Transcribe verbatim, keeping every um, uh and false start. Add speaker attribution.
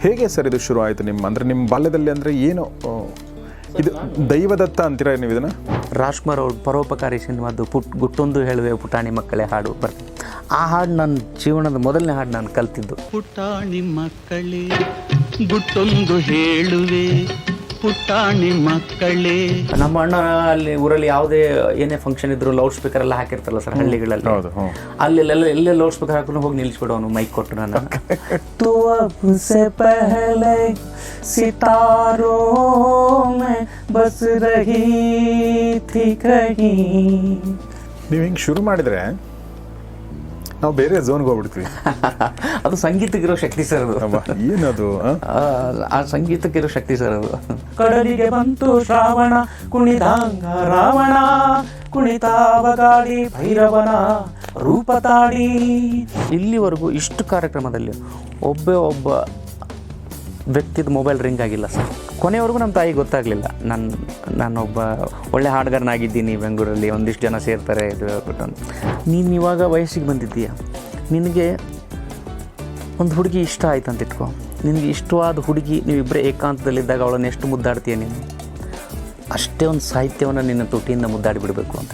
Speaker 1: ಹೇಗೆ ಸರ್ ಇದು ಶುರು ಆಯಿತು ನಿಮ್ಮ ಅಂದರೆ ನಿಮ್ಮ ಬಾಲ್ಯದಲ್ಲಿ ಅಂದರೆ ಏನು ಇದು ದೈವದತ್ತ ಅಂತೀರಾ ನೀವು ಇದನ್ನು?
Speaker 2: ರಾಜ್ಕುಮಾರ್ ಅವ್ರ ಪರೋಪಕಾರಿ ಸಿನಿಮಾದ್ದು ಪುಟ್ ಗುಟ್ಟೊಂದು ಹೇಳುವೆ ಪುಟಾಣಿ ಮಕ್ಕಳೇ ಹಾಡು ಬರ್ತದೆ. ಆ ಹಾಡು ನನ್ನ ಜೀವನದ ಮೊದಲನೇ ಹಾಡು ನಾನು ಕಲ್ತಿದ್ದು.
Speaker 3: ಪುಟಾಣಿ ಮಕ್ಕಳೇ ಗುಟ್ಟೊಂದು ಹೇಳುವೆ ಪುಟಾಣಿ ಮಕ್ಕಳೇ.
Speaker 2: ನಮ್ಮ ಅಣ್ಣ ಅಲ್ಲಿ ಊರಲ್ಲಿ ಯಾವುದೇ ಏನೇ ಫಂಕ್ಷನ್ ಇದ್ರು ಲೌಡ್ ಸ್ಪೀಕರ್ ಎಲ್ಲ ಹಾಕಿರ್ತಾರಲ್ಲ ಸರ್ ಹಳ್ಳಿಗಳಲ್ಲಿ, ಅಲ್ಲೆಲ್ಲ ಎಲ್ಲೇ ಲೌಡ್ ಸ್ಪೀಕರ್ ಹಾಕೊಂಡು ಹೋಗಿ ನಿಲ್ಲಿಸ್ಬಿಡು ಅವನು ಮೈಕ್ ಕೊಟ್ಟು ನಾನು तो अब से पहले सितारों में बस रही थी कहीं.
Speaker 1: ನೀವು ಹಿಂಗೆ ಶುರು ಮಾಡಿದರೆ ನಾವು ಬೇರೆ ಝೋನ್ಗೆ ಹೋಗ್ಬಿಡ್ತೀವಿ.
Speaker 2: ಅದು ಸಂಗೀತಕ್ಕಿರೋ ಶಕ್ತಿ ಸರ್ ಅದು.
Speaker 1: ಏನದು
Speaker 2: ಆ ಸಂಗೀತಕ್ಕಿರೋ ಶಕ್ತಿ ಸರ್ ಅದು. ಕಡಲಿಗೆ ಬಂತು ಶ್ರಾವಣ ಕುಣಿದಾಂಗ ರಾವಣ ಕುಣಿತಾವಗಾಡಿ ಭೈರವನ ರೂಪ ತಾಡಿ. ಇಲ್ಲಿವರೆಗೂ ಇಷ್ಟು ಕಾರ್ಯಕ್ರಮದಲ್ಲಿ ಒಬ್ಬೇ ಒಬ್ಬ ವ್ಯಕ್ತಿದ ಮೊಬೈಲ್ ರಿಂಗ್ ಆಗಿಲ್ಲ ಸರ್. ಕೊನೆವರೆಗೂ ನಮ್ಮ ತಾಯಿಗೆ ಗೊತ್ತಾಗಲಿಲ್ಲ ನಾನು ನಾನೊಬ್ಬ ಒಳ್ಳೆ ಹಾಡುಗಾರನಾಗಿದ್ದೀನಿ, ಬೆಂಗಳೂರಲ್ಲಿ ಒಂದಿಷ್ಟು ಜನ ಸೇರ್ತಾರೆ ಇದು ಹೇಳ್ಬಿಟ್ಟು. ನೀನು ಇವಾಗ ವಯಸ್ಸಿಗೆ ಬಂದಿದ್ದೀಯ, ನಿನಗೆ ಒಂದು ಹುಡುಗಿ ಇಷ್ಟ ಆಯ್ತು ಅಂತ ಇಟ್ಕೊ, ನಿನಗೆ ಇಷ್ಟವಾದ ಹುಡುಗಿ ನೀವಿಬ್ಬರೇ ಏಕಾಂತದಲ್ಲಿದ್ದಾಗ ಅವಳನ್ನು ಎಷ್ಟು ಮುದ್ದಾಡ್ತೀಯ ನೀನು, ಅಷ್ಟೇ ಒಂದು ಸಾಹಿತ್ಯವನ್ನು ನಿನ್ನ ತುಟಿಯಿಂದ ಮುದ್ದಾಡಿ ಬಿಡಬೇಕು ಅಂತ.